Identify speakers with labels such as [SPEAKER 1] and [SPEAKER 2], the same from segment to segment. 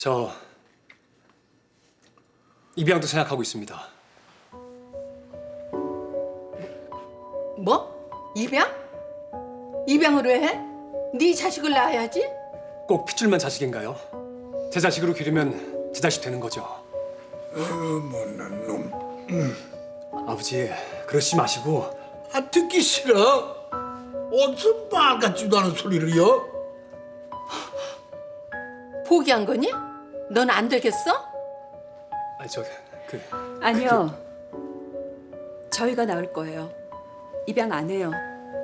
[SPEAKER 1] 저 입양도 생각하고 있습니다.
[SPEAKER 2] 뭐? 입양? 입양을 왜 해? 네 자식을 낳아야지.
[SPEAKER 1] 꼭 핏줄만 자식인가요? 제 자식으로 기르면 제 자식 되는 거죠.
[SPEAKER 3] 못난 놈.
[SPEAKER 1] 아버지, 그러시지 마시고.
[SPEAKER 3] 듣기 싫어. 어디서 말 같지도 않은 소리를요?
[SPEAKER 2] 포기한 거니? 넌 안 되겠어?
[SPEAKER 1] 아니 그
[SPEAKER 4] 아니요. 저희가 나을 거예요. 입양 안 해요.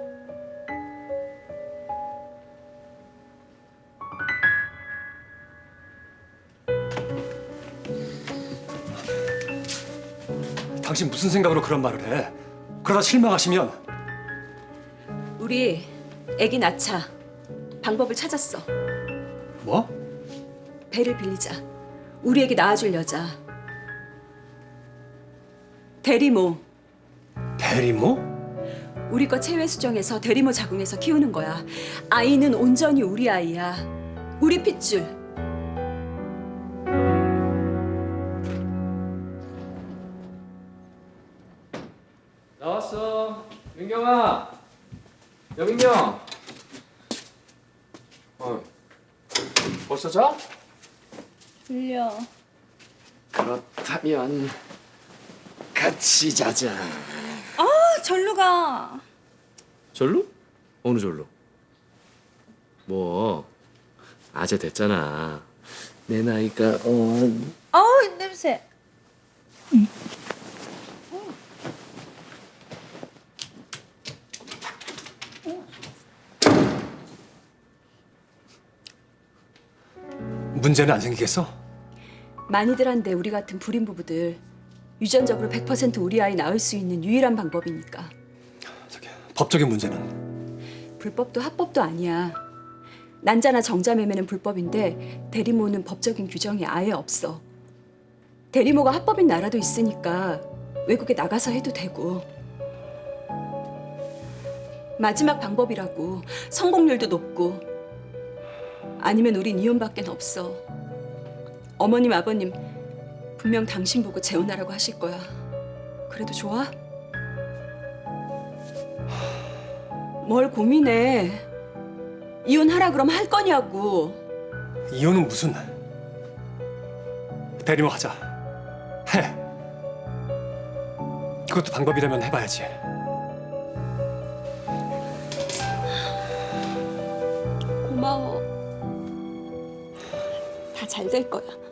[SPEAKER 1] 당신 무슨 생각으로 그런 말을 해? 그러다 실망하시면.
[SPEAKER 4] 우리 애기 낳자. 방법을 찾았어.
[SPEAKER 1] 뭐?
[SPEAKER 4] 배를 빌리자. 우리 애기 낳아줄 여자. 대리모.
[SPEAKER 1] 대리모?
[SPEAKER 4] 우리 거 체외 수정해서 대리모 자궁에서 키우는 거야. 아이는 온전히 우리 아이야. 우리 핏줄.
[SPEAKER 5] 나왔어. 민경아. 여민경. 벌써 자?
[SPEAKER 6] 졸려.
[SPEAKER 5] 그렇다면 같이 자자.
[SPEAKER 6] 아, 절로 가.
[SPEAKER 5] 절로? 어느 절로? 뭐 아재 됐잖아. 내 나이가
[SPEAKER 6] 아우, 냄새.
[SPEAKER 1] 문제는 안 생기겠어?
[SPEAKER 4] 많이들 한데 우리 같은 불임 부부들 유전적으로 100% 우리 아이 낳을 수 있는 유일한 방법이니까.
[SPEAKER 1] 법적인 문제는?
[SPEAKER 4] 불법도 합법도 아니야. 난자나 정자 매매는 불법인데 대리모는 법적인 규정이 아예 없어. 대리모가 합법인 나라도 있으니까 외국에 나가서 해도 되고. 마지막 방법이라고. 성공률도 높고. 아니면 우린 이혼밖엔 없어. 어머님, 아버님 분명 당신 보고 재혼하라고 하실 거야. 그래도 좋아? 뭘 고민해. 이혼하라 그러면 할 거냐고.
[SPEAKER 1] 이혼은 무슨? 대리모 하자. 해. 그것도 방법이라면 해봐야지.
[SPEAKER 4] 고마워. 다 잘 될 거야.